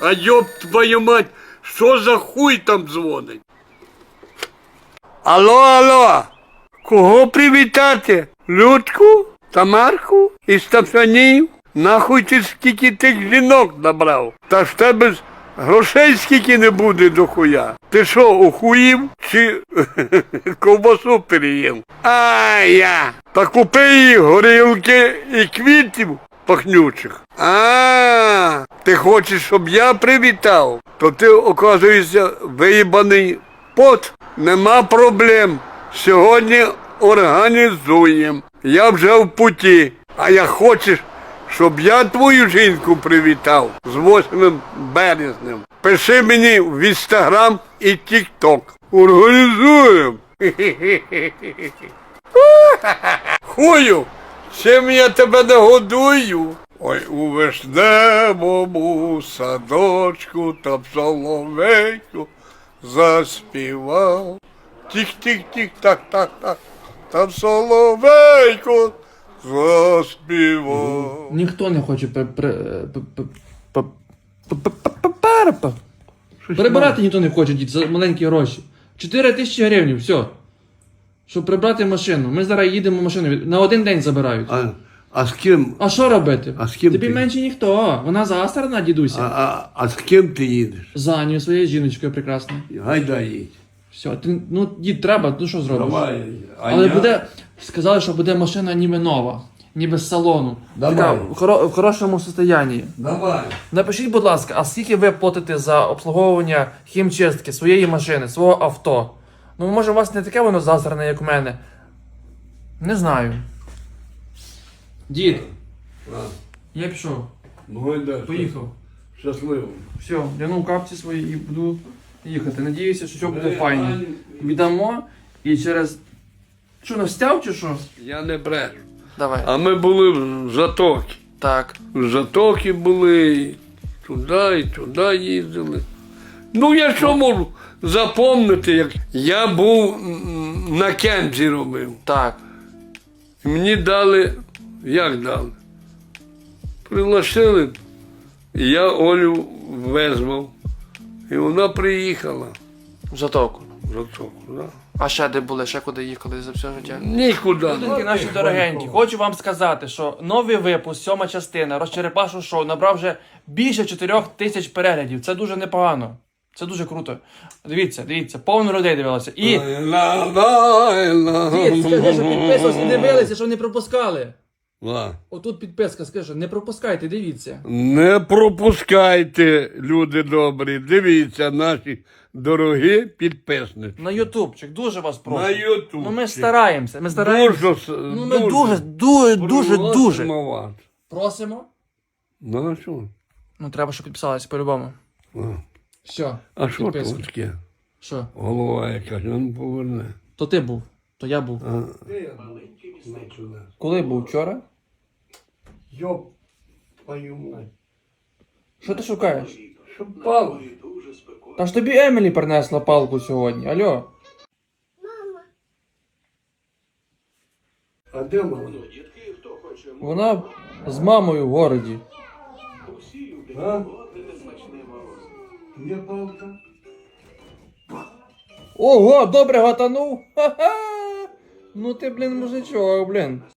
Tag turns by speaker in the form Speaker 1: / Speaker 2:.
Speaker 1: А ёб твою мать, що за хуй там дзвонить? Алло, алло, кого привітати? Людку? Тамарку? Із Тафанів? Нахуй ти скільки тих жінок набрав? Та ж тебе ж грошей скільки не буде до хуя. Ти що, охуїв чи ковбасу переїв? Я. Та купи їй горілки і квітів пахнючих. Ти хочеш, щоб я привітав? То ти, оказуєшся, виїбаний пот. Нема проблем. Сьогодні організуємо. Я вже в путі. А як хочеш, щоб я твою жінку привітав з 8 березнем, пиши мені в Інстаграм і Тік-Ток. Організуємо. Хую, чим я тебе не годую? Ой, у вишневому садочку там соловейку заспівав. Тік-тік-тік, так. Там соловейко заспівав.
Speaker 2: Ніхто не хоче прибирати, ніхто не хоче, дід, за маленькі гроші. 4 тисячі гривень, все. Щоб прибрати машину. Ми зараз їдемо машину, на один день забирають.
Speaker 1: А з ким?
Speaker 2: А що робити?
Speaker 1: А з ким
Speaker 2: Тобі
Speaker 1: ти?
Speaker 2: менше ніхто. Вона застрана, дідуся.
Speaker 1: А з ким ти їдеш?
Speaker 2: За Аню, своєю жіночкою прекрасною.
Speaker 1: Гайда їдь.
Speaker 2: Все, ти, дід, треба, ну що зробиш?
Speaker 1: Давай.
Speaker 2: Але буде, сказали, що буде машина ніби нова, ніби з салону.
Speaker 1: Давай.
Speaker 2: Така, в хорошому стані.
Speaker 1: Давай.
Speaker 2: Напишіть, будь ласка, а скільки ви платите за обслуговування хімчистки своєї машини, свого авто? Ну, може, у вас не таке воно засране, як у мене. Не знаю. Дід, я пішов.
Speaker 1: Ну, гайда.
Speaker 2: Поїхав.
Speaker 1: Щасливо.
Speaker 2: Все, вдягнув капці свої і буду їхати. Надіюся, що все буде файно. Віддамо і через... Що, настяв чи що?
Speaker 1: Я не брешу.
Speaker 2: Давай.
Speaker 1: А ми були в Затокі.
Speaker 2: Так.
Speaker 1: В Затокі були, і туди їздили. Ну, я що можу запомнити, як я був на кемпі робив.
Speaker 2: Так.
Speaker 1: І мені дали, як дали? Пригласили, і я Олю визвав. І вона приїхала
Speaker 2: В Затоку.
Speaker 1: в Затоку, да.
Speaker 2: А ще де були, ще куди їхали за все життя?
Speaker 1: Нікуди.
Speaker 2: Людинки наші дорогенькі, хочу вам сказати, що новий випуск, 7 частина, Розчерепашу шоу, набрав вже більше 4 тисяч переглядів. Це дуже непогано. Це дуже круто. Дивіться, повно людей дивилося. І... Дід, скажи, що підписувалися, дивилися, що не пропускали. Отут підписка, скажи, що не пропускайте, дивіться.
Speaker 1: Не пропускайте, люди добрі, дивіться наші дорогі підписники.
Speaker 2: На ютубчик, дуже вас прошу.
Speaker 1: На ютубчик.
Speaker 2: Ну ми стараємося, Ну ми дуже. Просимо.
Speaker 1: Ну а що?
Speaker 2: Ну треба, щоб підписалися по-любому. Все.
Speaker 1: А що
Speaker 2: підписка.
Speaker 1: тут таке?
Speaker 2: Що?
Speaker 1: Голова якась, він поверне.
Speaker 2: То ти був, то я був. Коли був? Вчора?
Speaker 1: Йоп, твою мать.
Speaker 2: Що ти шукаєш?
Speaker 1: Що пало?
Speaker 2: Та ж тобі Емілі принесла палку сьогодні, алло.
Speaker 1: А де мама?
Speaker 2: Вона з мамою в городі.
Speaker 1: А? Є палка?
Speaker 2: Ого, добре гатанув. Ха-ха. Ну ти, блін, мужичок, блін.